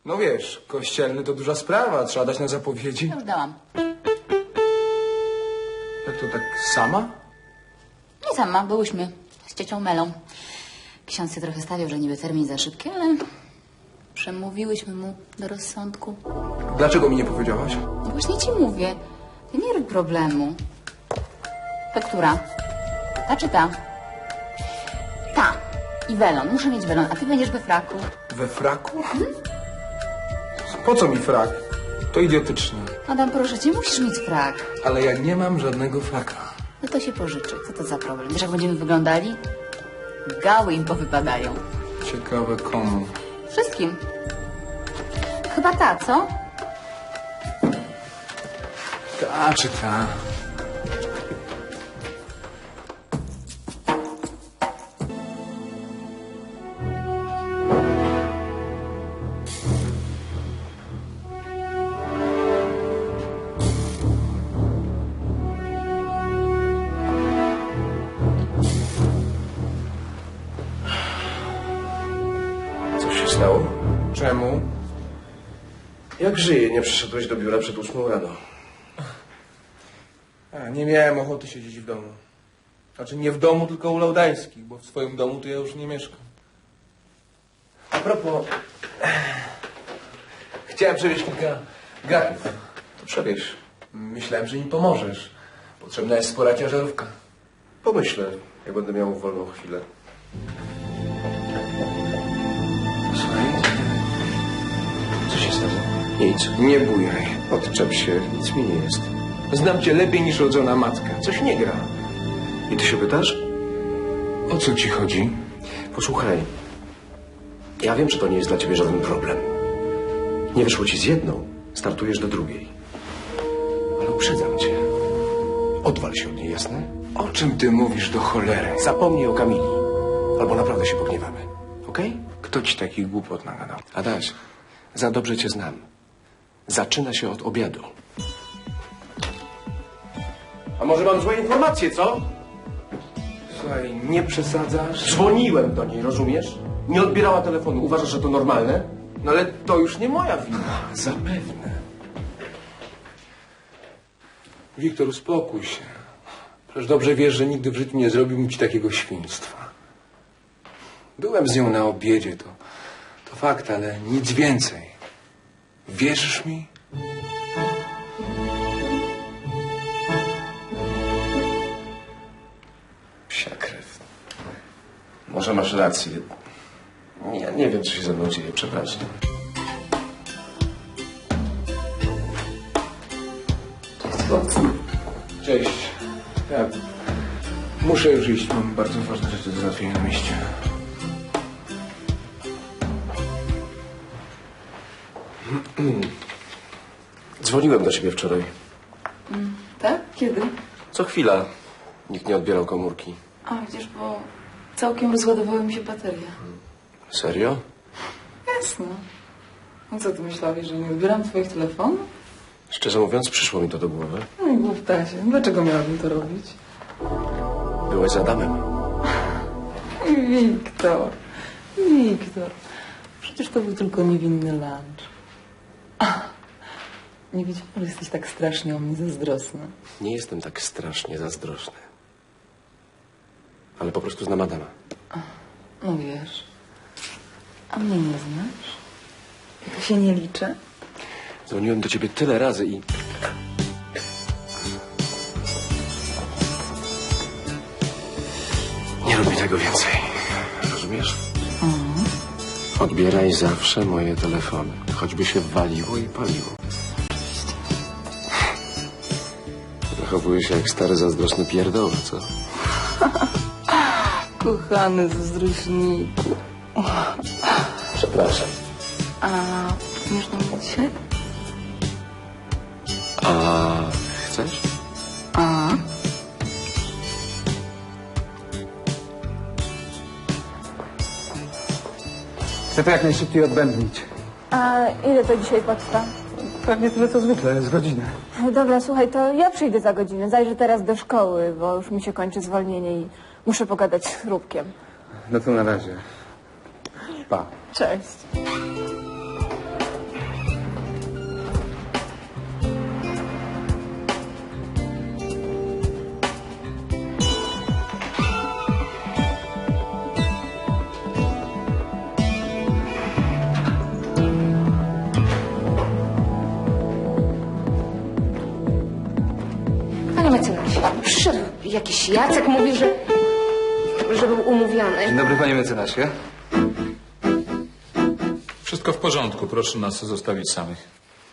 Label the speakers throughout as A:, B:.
A: No wiesz, kościelny to duża sprawa, trzeba dać na zapowiedzi.
B: Już dałam.
A: Jak to tak sama?
B: Nie sama, byłyśmy z ciocią Melą. Ksiądz się trochę stawiał, że niby termin za szybki, ale przemówiłyśmy mu do rozsądku.
A: Dlaczego mi nie powiedziałaś?
B: No właśnie ci mówię, ty nie rób problemu. To która? Ta czy ta? Ta. I welon, muszę mieć welon, a ty będziesz we fraku.
A: We fraku? Po co mi frak? To idiotyczne.
B: Adam, proszę cię, musisz mieć frak.
A: Ale ja nie mam żadnego fraka.
B: No to się pożyczy. Co to za problem? Wiesz, jak będziemy wyglądali? Gały im powypadają.
A: Ciekawe komu.
B: Wszystkim. Chyba ta, co?
A: Ta czy ta?
C: Co się stało?
A: Czemu?
C: Jak żyje? Nie przyszedłeś do biura przed 8 rano.
A: Nie miałem ochoty siedzieć w domu. Znaczy nie w domu, tylko u Laudańskich, bo w swoim domu to ja już nie mieszkam.
C: A propos,
A: Chciałem przewieźć kilka garów.
C: to przewieź.
A: Myślałem, że mi pomożesz. Potrzebna jest spora ciężarówka.
C: Pomyślę, jak będę miał wolną chwilę.
A: Słuchaj,
C: Co się stało? Nic.
A: nie bujaj.
C: Odczep się, nic mi nie jest.
A: Znam cię lepiej niż rodzona matka. Coś nie gra.
C: I ty się pytasz?
A: O co ci chodzi?
C: Posłuchaj. Ja wiem, że to nie jest dla ciebie żaden problem. Nie wyszło ci z jedną, startujesz do drugiej. Ale uprzedzam cię. Odwal się od niej, jasne?
A: O czym ty mówisz do cholery?
C: Zapomnij o Kamili. Albo naprawdę się pogniewamy. Okej?
A: Kto ci takich głupot nagadał?
C: Adaś, za dobrze cię znam. Zaczyna się od obiadu. A może mam złe informacje, co?
A: Słuchaj, nie przesadzasz?
C: Dzwoniłem do niej, rozumiesz? Nie odbierała telefonu. Uważasz, że to normalne?
A: No ale to już nie moja wina.
C: Zapewne.
A: Wiktor, uspokój się. Przecież dobrze wiesz, że nigdy w życiu nie zrobiłbym ci takiego świństwa. Byłem z nią na obiedzie, to fakt, ale nic więcej. Wierzysz mi?
C: Psia krew. Może masz rację. Ja nie wiem, co się ze mną dzieje. Przepraszam.
A: Cześć. Ja muszę już iść. Mam bardzo ważne rzeczy do załatwienia na mieście.
C: Dzwoniłem do ciebie wczoraj.
B: Tak? Kiedy?
C: Co chwila. Nikt nie odbierał komórki.
B: A, widzisz, bo całkiem rozładowały mi się baterie.
C: Serio?
B: Jasne. No co, ty myślałeś, że nie odbieram twoich telefonów?
C: Szczerze mówiąc, przyszło mi to do głowy.
B: No i głuptasie. Dlaczego miałabym to robić?
C: Byłeś z Adamem.
B: Wiktor. Wiktor. Przecież to był tylko niewinny lunch. Nie wiedziałam, że jesteś tak strasznie o mnie zazdrosny.
C: Nie jestem tak strasznie zazdrosny. Ale po prostu znam Adama.
B: No wiesz. A mnie nie znasz? To się nie liczy?
C: Dzwoniłem do ciebie tyle razy i... Nie rób mi tego więcej. Rozumiesz? Odbieraj zawsze moje telefony. Choćby się waliło i paliło. Zachowujesz się jak stary, zazdrosny pierdoła, co?
B: Kochany zazdrośniku.
C: Przepraszam.
B: A umiesz do mnie dzisiaj?
C: A chcesz?
B: A?
D: Chcę to jak najszybciej odbębnić.
E: A ile to dzisiaj potrwa?
D: Pewnie tyle co zwykle, z godzinę.
E: Dobra, słuchaj, to ja przyjdę za godzinę. Zajrzę teraz do szkoły, bo już mi się kończy zwolnienie i muszę pogadać z Chrupkiem.
D: No to na razie. Pa.
E: Cześć.
F: Jakiś Jacek mówi, że był umówiony.
D: Dzień dobry, panie mecenasie.
G: Wszystko w porządku, proszę nas zostawić samych.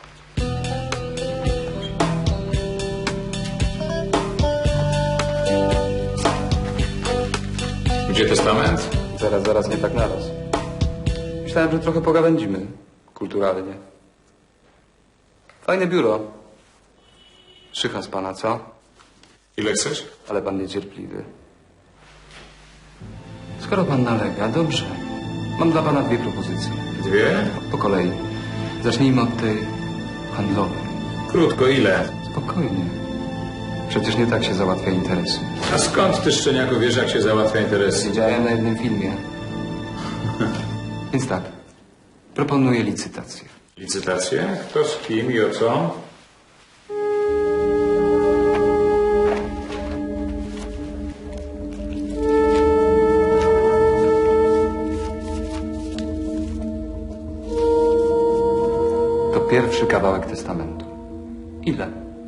G: Gdzie testament?
D: Zaraz, nie tak naraz. Myślałem, że trochę pogawędzimy. Kulturalnie. Fajne biuro. Szycha z pana, co?
G: Ile chcesz?
D: Ale pan niecierpliwy. Skoro pan nalega, dobrze. Mam dla pana 2 propozycje.
G: 2?
D: Po kolei. Zacznijmy od tej handlowej.
G: Krótko, ile?
D: Spokojnie. Przecież nie tak się załatwia interesy.
G: A skąd ty, szczeniaku, wiesz, jak się załatwia interesy?
D: Widziałem na jednym filmie. Więc tak. Proponuję licytację.
G: Licytacje? Kto z kim i o co?
D: To pierwszy kawałek testamentu. Ile?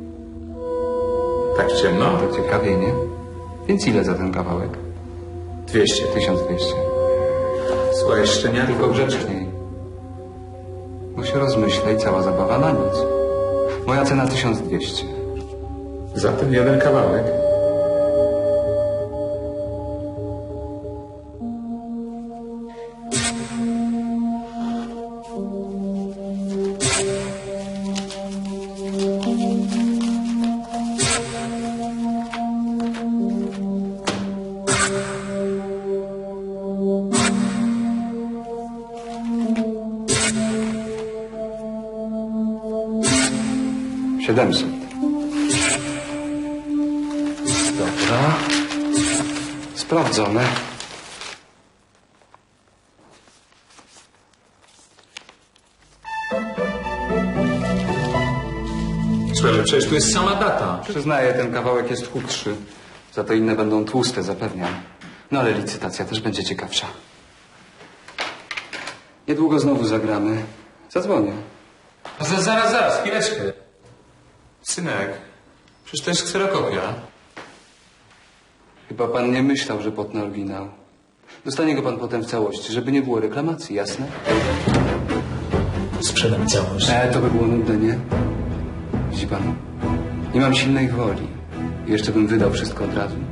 G: Tak ciemno?
D: To ciekawie, nie? Więc ile za ten kawałek?
G: 200.
D: 1200.
G: Słuchaj, szczeniaku.
D: Tylko grzeczniej. Bo się rozmyśla i cała zabawa na nic. Moja cena 1200.
G: Za ten jeden kawałek?
D: Siedemset. Dobra. Sprawdzone.
G: Słuchaj, ale przecież tu jest sama data.
D: Przyznaję, ten kawałek jest chudszy. Za to inne będą tłuste, zapewniam. No ale licytacja też będzie ciekawsza. Niedługo znowu zagramy. Zadzwonię.
G: Zaraz, chwileczkę. Synek, przecież to jest kserokopia.
D: Chyba pan nie myślał, że potnę oryginał. Dostanie go pan potem w całości, żeby nie było reklamacji, jasne?
G: Sprzedam całość.
D: To by było nudne, nie? Widzi pan, nie mam silnej woli. I jeszcze bym wydał wszystko od razu.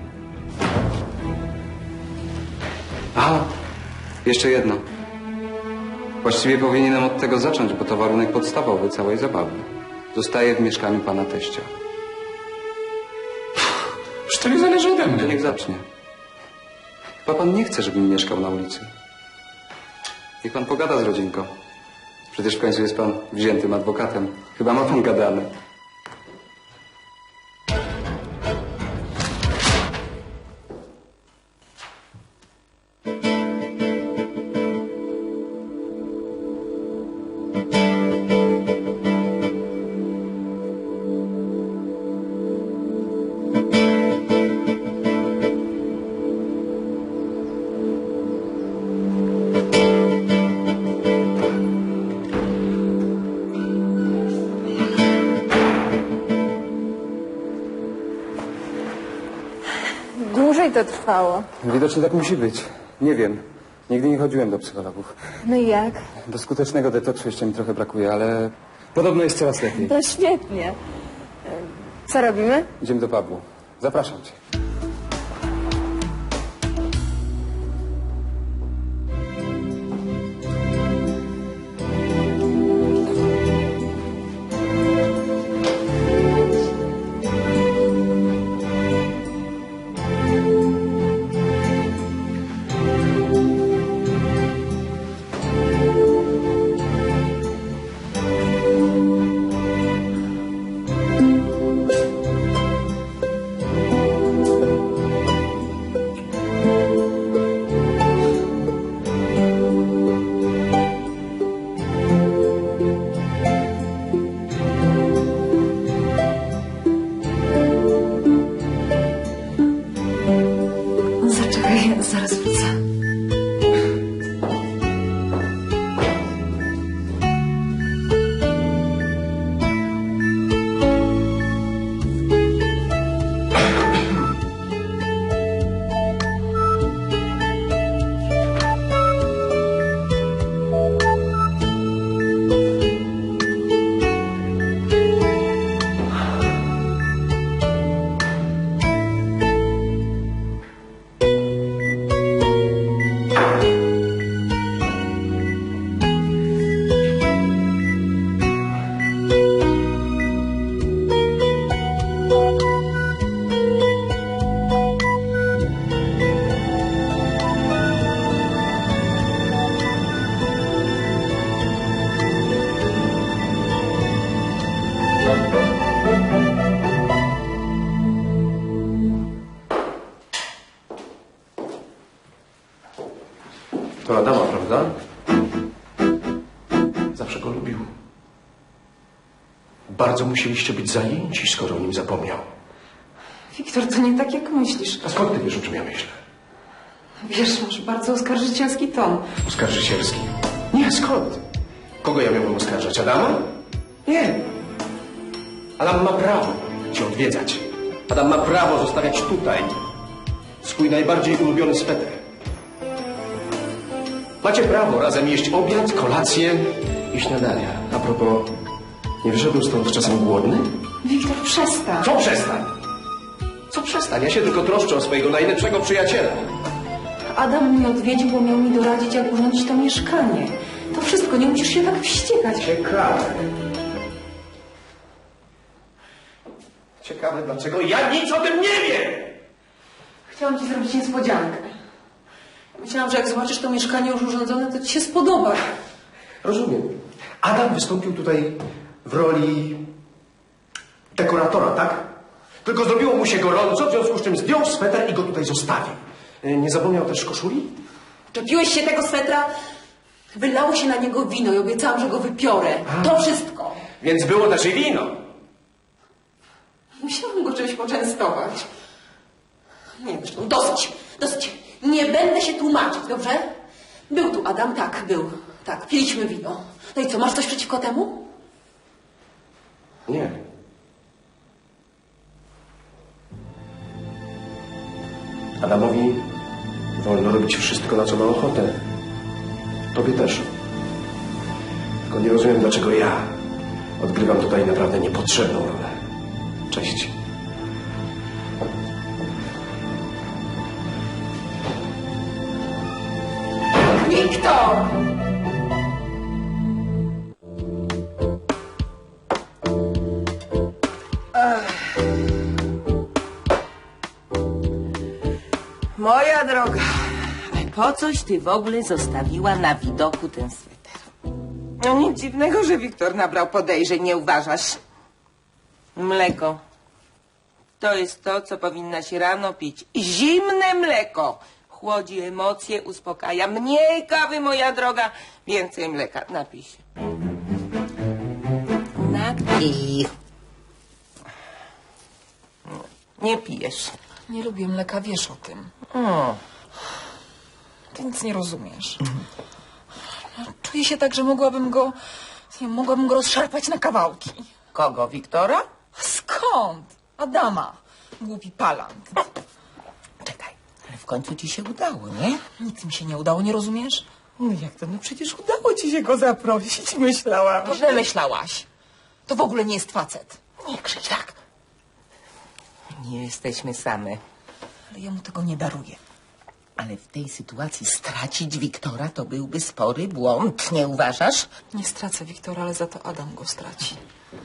D: Aha, jeszcze jedno. Właściwie powinienem od tego zacząć, bo to warunek podstawowy całej zabawy. Zostaję w mieszkaniu pana teścia.
G: Przecież to nie zależy ode mnie.
D: Niech zacznie. Chyba pan nie chce, żebym mieszkał na ulicy. Niech pan pogada z rodzinką. Przecież w końcu jest pan wziętym adwokatem. Chyba ma pan gadane.
E: Dłużej to trwało.
D: Widocznie tak musi być. Nie wiem. Nigdy nie chodziłem do psychologów.
E: No i jak?
D: Do skutecznego detoksu jeszcze mi trochę brakuje, ale podobno jest coraz lepiej.
E: To świetnie. Co robimy?
D: Idziemy do pubu. Zapraszam cię.
C: Zawsze go lubił. Bardzo musieliście być zajęci, skoro o nim zapomniał.
F: Wiktor, to nie tak jak myślisz.
C: A skąd ty wiesz, o czym ja myślę?
F: Wiesz, masz bardzo oskarżycielski ton.
C: Oskarżycielski? Nie, skąd? Kogo ja miałbym oskarżać? Adama? Nie. Adam ma prawo cię odwiedzać. Adam ma prawo zostawiać tutaj swój najbardziej ulubiony sweter. Macie prawo razem jeść obiad, kolację i śniadania. A propos, nie wyszedł stąd czasem głodny?
F: Wiktor, przestań.
C: Co przestań? Co przestań? Ja się tylko troszczę o swojego najlepszego przyjaciela.
F: Adam mnie odwiedził, bo miał mi doradzić, jak urządzić to mieszkanie. To wszystko, nie musisz się tak wściekać.
C: Ciekawe. Ciekawe, dlaczego ja nic o tym nie wiem!
F: Chciałam ci zrobić niespodziankę. Myślałam, że jak zobaczysz to mieszkanie już urządzone, to ci się spodoba.
C: Rozumiem. Adam wystąpił tutaj w roli dekoratora, tak? Tylko zrobiło mu się gorąco, w związku z czym zdjął sweter i go tutaj zostawił. Nie zapomniał też koszuli?
F: Czepiłeś się tego swetra? Wylało się na niego wino i obiecałam, że go wypiorę. To wszystko.
C: Więc było też i wino.
F: Musiałam go czymś poczęstować. Nie, zresztą dosyć, dosyć. Nie będę się tłumaczyć, dobrze? Był tu Adam, tak, był. Tak, piliśmy wino. No i co, masz coś przeciwko temu?
C: Nie. Adamowi wolno robić wszystko, na co ma ochotę. Tobie też. Tylko nie rozumiem, dlaczego ja odgrywam tutaj naprawdę niepotrzebną rolę. Cześć.
F: Wiktor!
H: Moja droga, po coś ty w ogóle zostawiła na widoku ten sweter? No nic dziwnego, że Wiktor nabrał podejrzeń, nie uważasz? Mleko. To jest to, co powinnaś rano pić. Zimne mleko. Chłodzi emocje, uspokaja. Mniej kawy, moja droga. Więcej mleka. Napij się. Napij. Nie pijesz.
I: Nie lubię mleka, wiesz o tym. Ty nic nie rozumiesz. No, czuję się tak, że mogłabym go rozszarpać na kawałki.
H: Kogo, Wiktora?
I: Skąd? Adama. Głupi palant.
H: Czekaj, ale w końcu ci się udało, nie?
I: Nic mi się nie udało, nie rozumiesz?
H: No jak to? No przecież udało ci się go zaprosić, myślałam.
I: To źle myślałaś. To w ogóle nie jest facet.
H: Nie krzycz tak. Nie jesteśmy same.
I: Ale ja mu tego nie daruję.
H: Ale w tej sytuacji stracić Wiktora to byłby spory błąd, nie uważasz?
I: Nie stracę Wiktora, ale za to Adam go straci.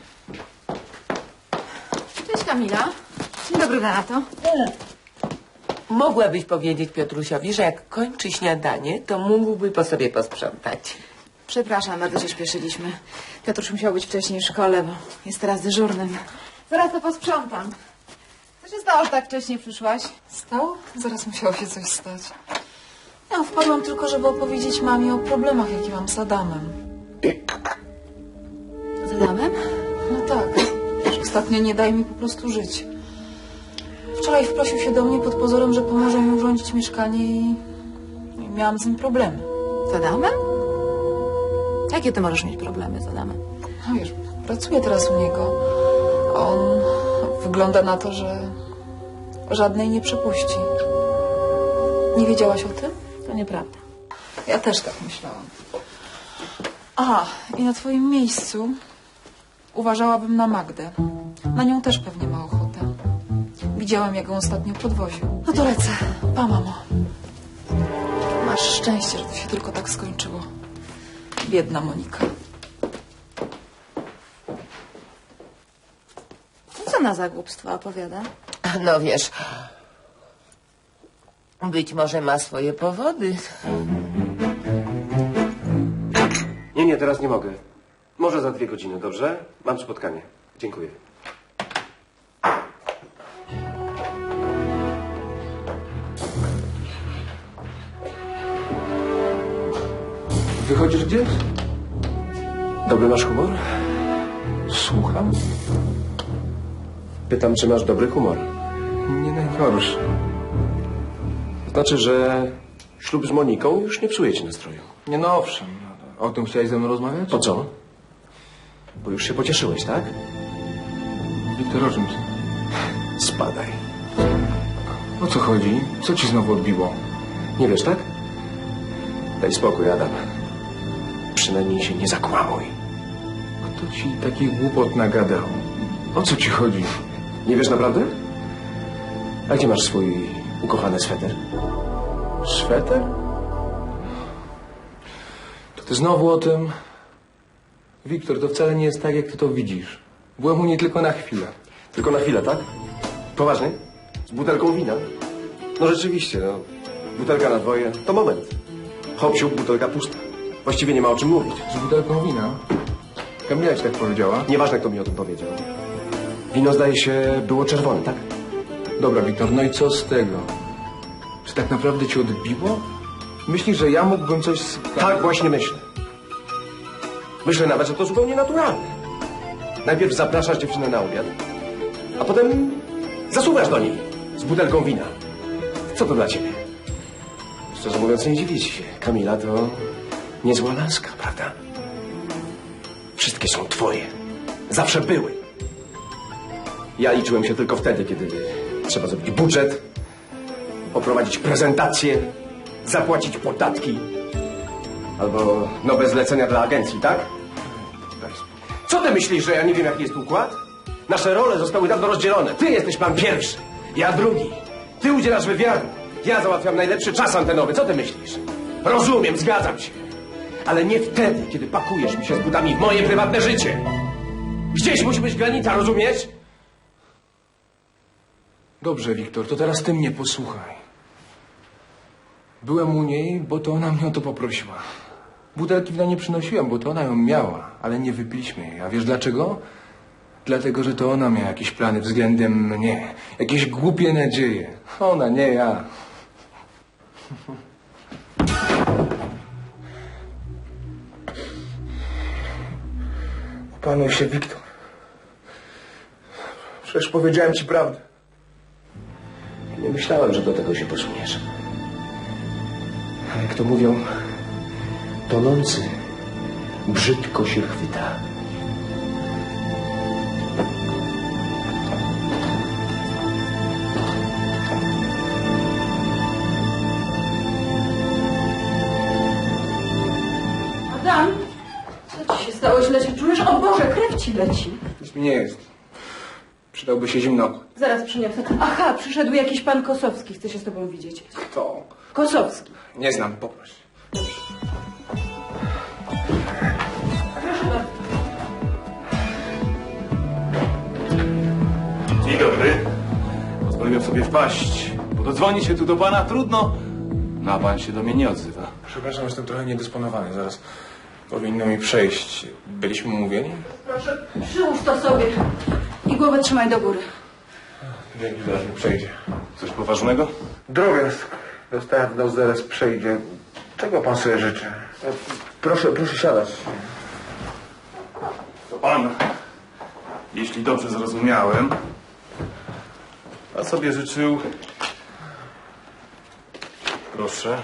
B: Cześć Kamila. Dzień dobry, Renato.
H: Mogłabyś powiedzieć Piotrusiowi, że jak kończy śniadanie, to mógłby po sobie posprzątać.
B: Przepraszam, bardzo się śpieszyliśmy. Piotrusz musiał być wcześniej w szkole, bo jest teraz dyżurnym. Zaraz to posprzątam. Co się stało, że tak wcześnie przyszłaś?
I: Stało? Zaraz musiało się coś stać. Ja wpadłam tylko, żeby opowiedzieć mamie o problemach, jakie mam z Adamem.
B: Z Adamem?
I: No tak. Ostatnio nie daje mi po prostu żyć. Wczoraj wprosił się do mnie pod pozorem, że pomoże mi urządzić mieszkanie i miałam z nim problemy.
B: Z Adamem? Jakie ty możesz mieć problemy z Adamem?
I: No wiesz, pracuję teraz u niego. A on wygląda na to, że żadnej nie przepuści. Nie wiedziałaś o tym?
B: To nieprawda.
I: Ja też tak myślałam. A, i na twoim miejscu uważałabym na Magdę. Na nią też pewnie ma ochotę. Widziałam, jak ją ostatnio podwoził. No to lecę. Pa, mamo. Masz szczęście, że to się tylko tak skończyło. Biedna Monika.
B: Co ona za głupstwa opowiada?
H: No wiesz, być może ma swoje powody.
C: Nie, teraz nie mogę. Może za 2 godziny, dobrze? Mam spotkanie. Dziękuję.
A: Wychodzisz gdzieś?
C: Dobry masz humor?
A: Słucham?
C: Pytam, czy masz dobry humor.
A: Nie najgorszy.
C: To znaczy, że ślub z Moniką już nie psuje ci nastroju.
A: Nie no owszem. O tym chciałeś ze mną rozmawiać?
C: Po co? Bo już się pocieszyłeś, tak?
A: Wiktor, o czym ty?
C: Spadaj.
A: O co chodzi? Co ci znowu odbiło?
C: Nie wiesz, tak? Daj spokój, Adam. Przynajmniej się nie zakłamuj.
A: Kto ci takich głupot nagadał? O co ci chodzi?
C: Nie wiesz naprawdę? A gdzie masz swój ukochany sweter?
A: Sweter? To ty znowu o tym? Wiktor, to wcale nie jest tak, jak ty to widzisz. Byłem u niej tylko na chwilę.
C: Tylko na chwilę, tak? Poważnie? Z butelką wina? No rzeczywiście, no. Butelka na dwoje to moment. Hop, siup, butelka pusta. Właściwie nie ma o czym mówić.
A: Z butelką wina? Kamila ci tak powiedziała?
C: Nieważne, kto mi o tym powiedział. Wino, zdaje się, było czerwone, tak?
A: Dobra, Wiktor, no i co z tego? Czy tak naprawdę ci odbiło? Myślisz, że ja mógłbym coś...
C: Tak właśnie myślę. Myślę nawet, że to zupełnie naturalne. Najpierw zapraszasz dziewczynę na obiad, a potem zasuwasz do niej z butelką wina. Co to dla ciebie? Szczerze mówiąc, nie dziwię ci się. Kamila to niezła laska, prawda? Wszystkie są twoje. Zawsze były. Ja liczyłem się tylko wtedy, kiedy trzeba zrobić budżet, poprowadzić prezentację, zapłacić podatki albo nowe zlecenia dla agencji, tak? Co ty myślisz, że ja nie wiem, jaki jest układ? Nasze role zostały dawno rozdzielone. Ty jesteś plan pierwszy, ja drugi. Ty udzielasz wywiadu, ja załatwiam najlepszy czas antenowy. Co ty myślisz? Rozumiem, zgadzam się. Ale nie wtedy, kiedy pakujesz mi się z butami w moje prywatne życie. Gdzieś musi być granica, rozumiesz?
A: Dobrze, Wiktor, to teraz ty mnie posłuchaj. Byłem u niej, bo to ona mnie o to poprosiła. Butelki wina nie przynosiłem, bo to ona ją miała, ale nie wypiliśmy jej. A wiesz dlaczego? Dlatego, że to ona miała jakieś plany względem mnie. Jakieś głupie nadzieje. Ona, nie ja. Opanuj się, Wiktor. Przecież powiedziałem ci prawdę.
C: Nie myślałem, że do tego się posuniesz. A jak to mówią, tonący brzydko się chwyta.
F: Adam, co ci się stało? Źle się czujesz? O Boże, krew ci leci.
A: Nic mi nie jest. Przydałby się zimno.
F: Zaraz przyniosę. Aha, przyszedł jakiś pan Kosowski. Chce się z tobą widzieć.
A: Kto?
F: Kosowski.
A: Nie znam, poproś.
J: Dzień dobry. Pozwoliłem sobie wpaść, bo dodzwonić się tu do pana trudno, no a pan się do mnie nie odzywa.
A: Przepraszam, jestem trochę niedysponowany. Zaraz powinno mi przejść. Byliśmy umówieni?
F: Proszę, przyłóż to sobie i głowę trzymaj do góry.
A: Dzięki, zaraz mi przejdzie.
J: Coś poważnego?
A: Drobiazg. Dostałem w nos, zaraz przejdzie. Czego pan sobie życzy? Proszę siadać.
J: To pan, jeśli dobrze zrozumiałem, a sobie życzył... Proszę.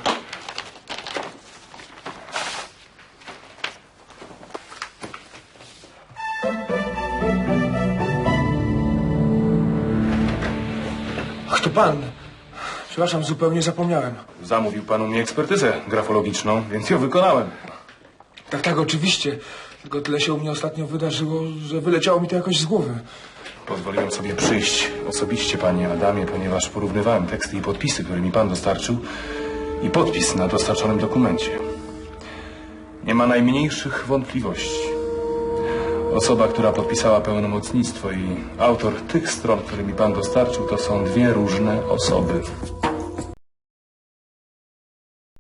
A: Ach, to pan. Przepraszam, zupełnie zapomniałem.
J: Zamówił pan u mnie ekspertyzę grafologiczną, więc ją wykonałem.
A: Tak, oczywiście. Tylko tyle się u mnie ostatnio wydarzyło, że wyleciało mi to jakoś z głowy.
J: Pozwoliłem sobie przyjść osobiście, panie Adamie, ponieważ porównywałem teksty i podpisy, które mi pan dostarczył i podpis na dostarczonym dokumencie. Nie ma najmniejszych wątpliwości. Osoba, która podpisała pełnomocnictwo i autor tych stron, które mi pan dostarczył, to są dwie różne osoby.